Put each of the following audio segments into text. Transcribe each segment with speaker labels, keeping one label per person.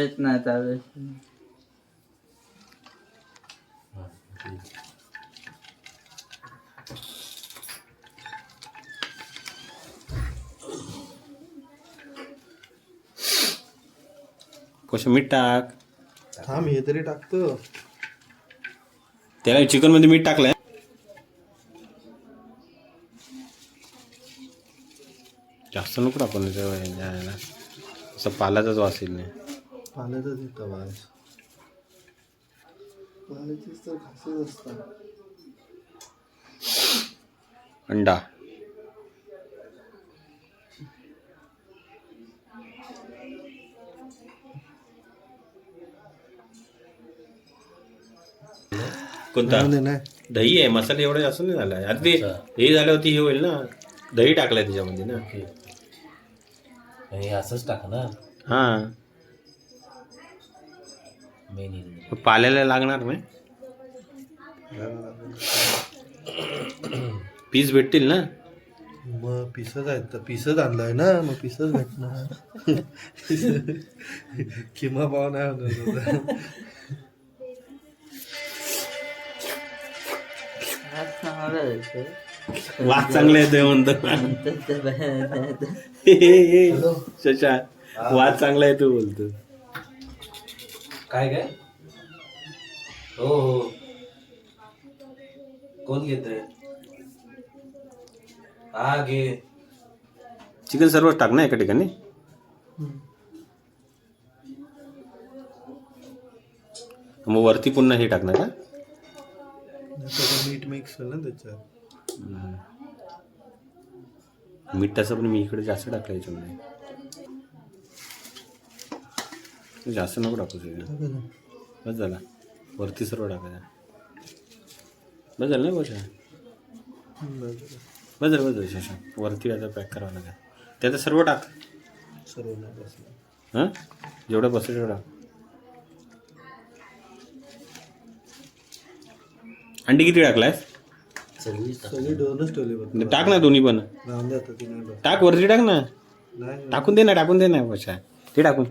Speaker 1: चालत नाही चालत.
Speaker 2: कसं मीठ टाक.
Speaker 3: थांब हे तरी टाकतो.
Speaker 2: त्याला चिकन मध्ये मीठ टाकलंय. जास्त नको टाकून असं पालाचाच वास येईल नाही.
Speaker 3: पाण्यातच येतं वास. पाण्याचीच तर खासियत असतात.
Speaker 2: अंडा कोणता
Speaker 3: नाही
Speaker 2: दही आहे. मसाले एवढे जास्त नाही झाला. आता ते हे झाल्यावरती हे होईल ना. दही टाकलंय त्याच्यामध्ये ना.
Speaker 4: हे असंच टाकणार.
Speaker 2: हा
Speaker 4: मेन
Speaker 2: पाल्याला लागणार नाही. पीस भेटतील ना.
Speaker 3: मग पिसच आहेत तर पिसच आणलाय ना मग पिसच भेटणार. किमा पाव नाही होणार.
Speaker 2: वास चांगले येतोय म्हणतो. शशा वास चांगला येतो बोलतो.
Speaker 4: काय काय हो कोण घेतोय. हा घे.
Speaker 2: चिकन सर्वच टाक ना एका ठिकाणी. मग वरती पुन्हा हे टाकणार का.
Speaker 3: मीठ मिक्स होईल ना त्याच्यात.
Speaker 2: मीठ तसं पण मी इकडे जास्त टाकलं याच्यामध्ये. जास्त नको टाकू सगळं. बस झाला. वरती सर्व टाकायचं. बस झालं ना बशा. बस झालं शशा. वरती आता पॅक करावं लागेल. त्यात सर्व टाक.
Speaker 3: सर्व नाही बसलं.
Speaker 2: हां जेवढं बसेल तेवढं. अंडी किती टाकलायस.
Speaker 3: सगळी दोनच ठेवली बघ.
Speaker 2: टाक ना दोन्ही पण.
Speaker 3: राहून द्या आता ती नाही बघ.
Speaker 2: टाक वरती टाक ना.
Speaker 3: नाही
Speaker 2: टाकून दे ना बशा. ते टाकून.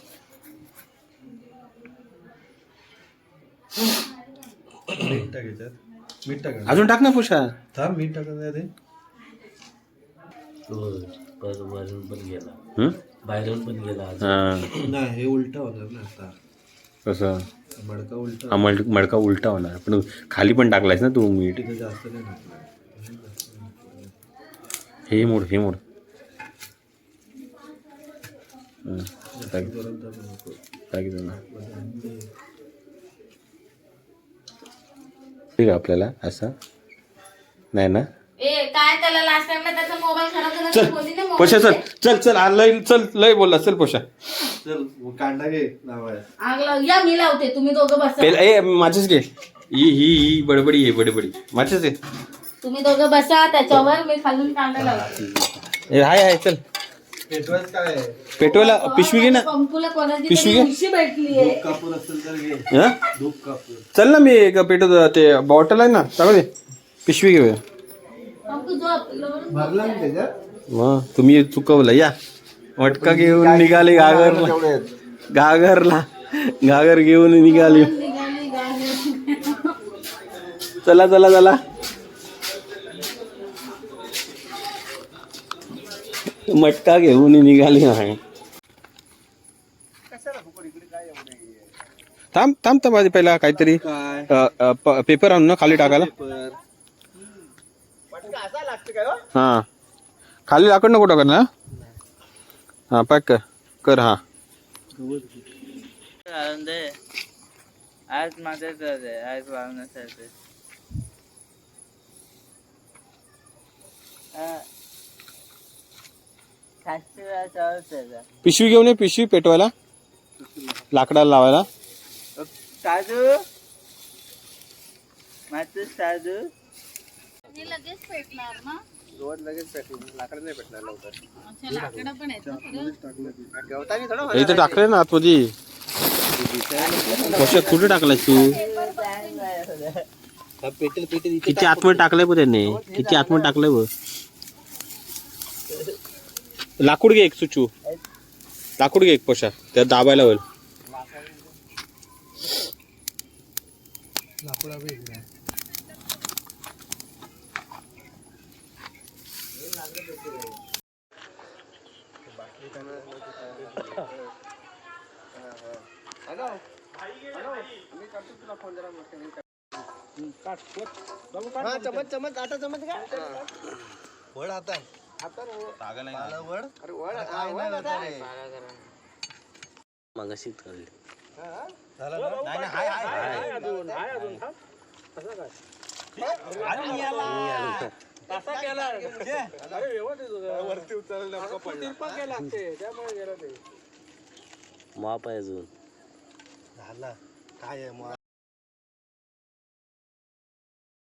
Speaker 3: मीठ टाकायच्यात. मीठ टाका.
Speaker 2: अजून टाक ना पोशा.
Speaker 3: थांब मीठ टाकत नाही ते.
Speaker 4: वरून पण गेला.
Speaker 2: हं?
Speaker 4: बाहेरून पण गेला.
Speaker 2: हां
Speaker 3: नाही हे उलट होणार ना आता.
Speaker 2: कसं
Speaker 3: मडका उलट.
Speaker 2: हा मडका उलटा होणार. पण खाली पण टाकलायस ना तू मीठ.
Speaker 3: तिथे जास्त नाही टाकलं.
Speaker 2: हे मोड टाकी ना. ठीक आहे आपल्याला असं नाही ना.
Speaker 5: काय त्याला लास्ट टाइमला त्याचा मोबाईल खराब झाला तर बोलली ना
Speaker 2: पोशा चल लय बोलला. चल पोशा.
Speaker 3: चल कांदा घे लावाय.
Speaker 5: आग लाव या मी लावते तुम्ही दोघं बसा.
Speaker 2: ए माझेच घे. ही बडबडी आहे बडबडी. माझेच आहे.
Speaker 5: तुम्ही दोघं बसा त्याच्यावर मी खालून कांदा लावते.
Speaker 2: हाय चल.
Speaker 3: पेटवायचं काय आहे?
Speaker 2: पेटवायला पिशवी घे ना.
Speaker 5: पंपूला कोणाची
Speaker 2: पिशवी
Speaker 5: तरी
Speaker 2: घे.
Speaker 5: उशी भेटलीये.
Speaker 3: कापूर असेल तर घे.
Speaker 2: हं?
Speaker 3: दूध कापूर.
Speaker 2: चल ना मी एक पेटवतो. ते बॉटल आहे ना टाकू दे. पिशवी घेऊया.
Speaker 5: पंपू झोप.
Speaker 3: भरला ना त्याच्यात.
Speaker 2: मग तुम्ही चुकवलं. या मटका घेऊन निघाले घागर घेऊन निघाले.
Speaker 5: निघाली गाडी.
Speaker 2: चला मटका घेऊन निघाली आहे. थांब आधी पहिला काहीतरी पेपर आणून ना खाली टाकायला. हा खाली लाकड नको टाका ना. हा पॅक कर. हा
Speaker 1: आज माझ्याच आज वाढवण्यासाठी.
Speaker 2: पिशवी घेऊन ये. पिशवी पेटवायला लाकडाला लावायला.
Speaker 1: साजू माझं साजू
Speaker 5: लगेच पेटणार ना.
Speaker 3: लगेच पेटवून लाकड नाही पेटणार लवकर.
Speaker 5: अच्छा लाकडं पण आहेत ना खरं.
Speaker 2: इथे टाकले ना आतमध्ये. कशा कुठे टाकलाय तू. किती आतमध्ये टाकलंय बघ त्याने. किती आतमध्ये टाकलंय बघ. लाकूड घे एक सुचू. लाकूड घे एक पोशा. त्यात दाबायला होईल.
Speaker 3: लाकडा वेगळा
Speaker 6: चमच चमच आता चमच का
Speaker 3: वड आता वड अरे वड
Speaker 4: मगाशीच काढली
Speaker 3: वरती उचलला
Speaker 4: माप आहे अजून
Speaker 3: झाला काय आहे मग